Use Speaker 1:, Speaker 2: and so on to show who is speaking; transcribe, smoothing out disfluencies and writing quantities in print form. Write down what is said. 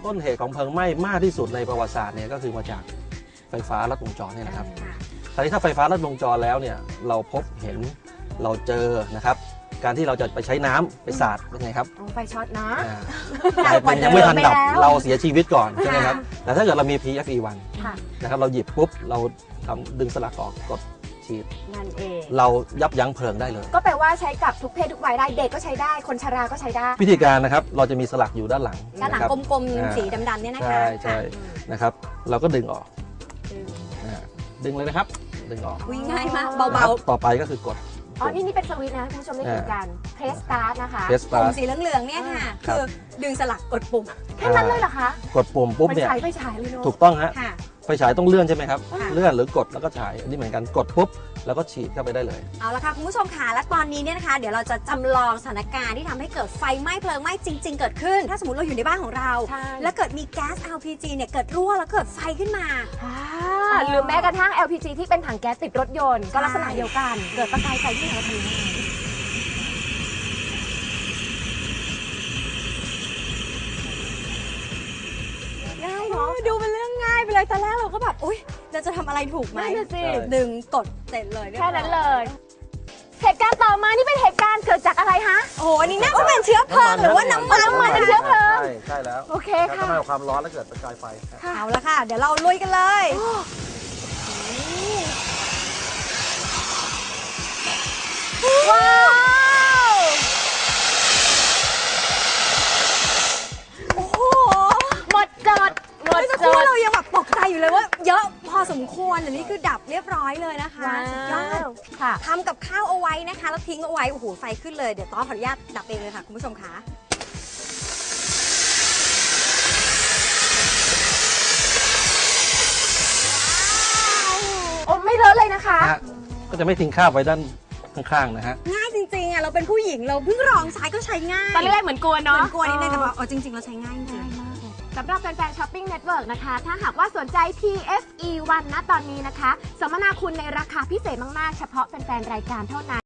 Speaker 1: ต้นเหตุของเพลิงไหม้มากที่สุดในประวัติศาสตร์เนี่ยก็คือมาจากไฟฟ้าลัดวงจรเนี่ยนะครับคราวนี้ถ้าไฟฟ้าลัดวงจรแล้วเนี่ยเราพบเห็นเราเจอนะครับการที่เราจะไปใช้น้ำไปสาดเป็นไงครับ
Speaker 2: ไฟช็อตนะ
Speaker 1: กลายเป็นยังไม่ทันดับเราเสียชีวิตก่อนใช่ไหมครับแต่ถ้าเกิดเรามี PFE1 นะครับเราหยิบปุ๊บเราดึงสลักออกกดฉีด
Speaker 2: นั่นเอง
Speaker 1: เรายับยั้งเพลิงได้เลย
Speaker 2: ก็แปลว่าใช้กับทุกเพศทุกวัยได้เด็กก็ใช้ได้คนชราก็ใช้ได้
Speaker 1: วิธีการนะครับเราจะมีสลักอยู่ด้านหลัง
Speaker 3: กลมๆสีดำๆเนี่ยนะคะ
Speaker 1: ใช่นะครับเราก็ดึงออกดึงเลยนะครับดึงออก
Speaker 3: ง่ายมากเบา
Speaker 1: ๆต่อไปก็คือกด
Speaker 2: นี่เป็นสวิตช์นะคุณผู้ชมได้เห็นกันเพรสสตาร์ทนะคะ
Speaker 3: ปุ่มสีเหลืองๆเนี่ยค่ะคือดึงสลักกดปุ่ม
Speaker 2: แค่นั้นเลยเหรอคะ
Speaker 1: กดปุ่มปุ๊บเนี่ย
Speaker 2: ไฟฉายเลยเนาะ
Speaker 1: ถูกต้องฮะไฟฉายต้องเลื่อนใช่ไหมครับเลื่อนหรือกดแล้วก็ฉายอันนี้เหมือนกันกดปุ๊บแล้วก็ฉีดเข้าไปได้เลย
Speaker 3: เอาละค่ะคุณผู้ชมค่ะและตอนนี้เนี่ยนะคะเดี๋ยวเราจะจำลองสถานการณ์ที่ทำให้เกิดไฟไหม้เพลิงไหม้จริงๆเกิดขึ้นถ้าสมมติเราอยู่ในบ้านของเราแล้วเกิดมีแก๊ส LPG เนี่ยเกิดรั่วแล้วเกิดไฟขึ้นมา
Speaker 2: หรือแม้กระทั่ง LPG ที่เป็นถังแก๊สติดรถยนต์ก็ลักษณะเดียวกันเกิดประกายไฟที่ไหนเราทำยังไง
Speaker 3: ดูเป็นเรื่องง่ายไปเลยตอนแรกเราก็แบบอุ๊ยเราจะทำอะไรถูกไหมดึงกดเสร็จเลย
Speaker 2: แค่นั้นเลยเหตุการณ์ต่อมานี่เป็นเหตุการณ์เกิดจากอะไรฮะ
Speaker 3: โอ้อันนี้น่าจะเป็นเชื้อเพลิงหรือว่าน้ำมัน
Speaker 2: เป็นเชื้อเพลิง
Speaker 1: ใช่แล้ว
Speaker 2: โอเคค่ะ
Speaker 1: ทำให้ความร้อนแล้วเกิดประกายไฟ
Speaker 3: เอาละค่ะเดี๋ยวเราลุยกันเลย
Speaker 2: ว้าว
Speaker 3: โอ้โห
Speaker 2: หมดจด
Speaker 3: เรายังแบบตกใจอยู่เลยว่าเยอะพอสมควรแต่นี่คือดับเรียบร้อยเลยนะคะสุดยอดทำกับข้าวเอาไว้นะคะแล้วทิ้งเอาไว้โอ้โหไฟขึ้นเลยเดี๋ยวต้อขออนุญาตดับเองเลยค่ะคุณผู้ชมคะ
Speaker 2: โอ้ไม่เลอะเลยนะคะ
Speaker 1: ก็จะไม่ทิ้งข้าวไว้ด้านข้างๆนะฮะ
Speaker 3: ง่ายจริงๆอ่ะเราเป็นผู้หญิงเราเพิ่งลองใช้ก็ใช้ง่าย
Speaker 2: ตอนแรกเหมือนกลัวเนาะ
Speaker 3: เหมือนกลัวนิดนึงแต่ว่าจริงๆเราใช้ง่ายจริง
Speaker 2: สำหรับแฟนๆช้อปปิ้งเน็ตเวิร์กนะคะถ้าหากว่าสนใจ PFE1 ณตอนนี้นะคะสัมมนาคุณในราคาพิเศษมากๆเฉพาะแฟนๆรายการเท่านั้น